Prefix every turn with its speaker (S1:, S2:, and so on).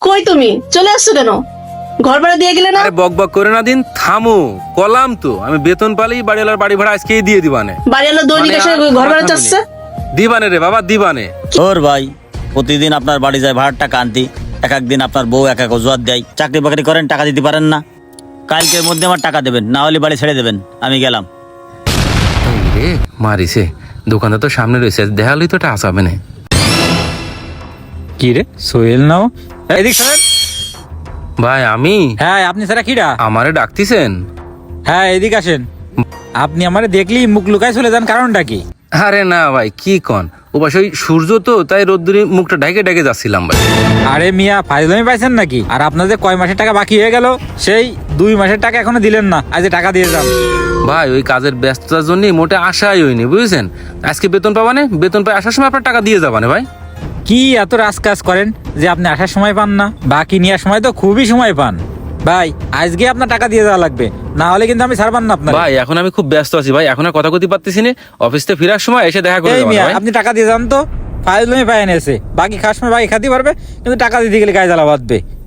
S1: কই তুমি চলে আসছো কেন? ঘর ভাড়া দিয়ে গেলে না?
S2: আরে বক বক করে না দিন, থামো। কলাম তো আমি বেতন পালেই বাড়িওয়ালার বাড়ি ভাড়া আজকেই দিয়ে দিবানে।
S1: বাড়ি এলো দৈনিক এসে ঘর ভাড়া চাচ্ছে।
S2: দিবানে রে বাবা, দিবানে।
S3: ওর ভাই প্রতিদিন আপনার বাড়ি যায় ভাড়ার টাকা আনতি, এক একদিন আপনার বউ এক এক অজুহাত দেয়। চাকরি বাকরি করেন, টাকা দিতে পারেন না। কালকের মধ্যে আমার টাকা দেবেন, না হলে বাড়ি ছেড়ে দেবেন। আমি গেলাম।
S2: এই রে মারিছে, দোকানদার তো সামনে রয়েছে, দেখালেই তো এটা আসাবে না।
S4: কি রে সোহেল নাও? এদিক সরেন।
S2: ভাই আমি,
S4: হ্যাঁ আপনি স্যার কিডা?
S2: আমারে ডাকতিছেন?
S4: হ্যাঁ এদিক আসেন। আপনি আমারে দেখলি মুখ লুকায় চলে যান, কারণটা কি?
S2: আরে না ভাই, কি কন, ও পাশে ওই সূর্য তো, তাই রোদ্দুরে মুখটা ঢেকে ঢেকে যাচ্ছিলাম ভাই।
S4: আরে মিয়া ফাইজলামি পাইছেন নাকি? আর আপনার যে কয় মাসের টাকা বাকি হয়ে গেল, সেই 2 মাসের টাকা এখনো দিলেন না। আজ টাকা দিয়ে যান।
S2: ভাই ওই কাজের ব্যস্ততার জন্য মোটে আশাই হয়নি, বুঝেছেন। আজকে বেতন পাবানে, বেতন পাই আসার সময় আপনার টাকা দিয়ে যাবানে ভাই।
S4: কি এত কাজ করেন যে আপনি আসার সময় পান না, বাকি নেওয়ার সময় তো খুবই সময় পান। ভাই আজকে আপনার টাকা দিয়ে যাওয়া লাগবে, না হলে কিন্তু আমি ছাড়বান না আপনার।
S2: ভাই এখন আমি খুব ব্যস্ত আছি ভাই, এখন আর কথা কইতে পারতেছি না। অফিস থেকে ফেরার সময় এসে দেখা করে
S4: এই
S2: যাবেন
S4: মিয়া
S2: ভাই।
S4: আপনি টাকা দিয়ে যান তো। ফাইজলামি পাই এনেছে, বাকি খাওয়ার সময় বাকি খাতে পারবে, কিন্তু টাকা দিতে গেলে গায়ে জ্বালা বাঁধবে।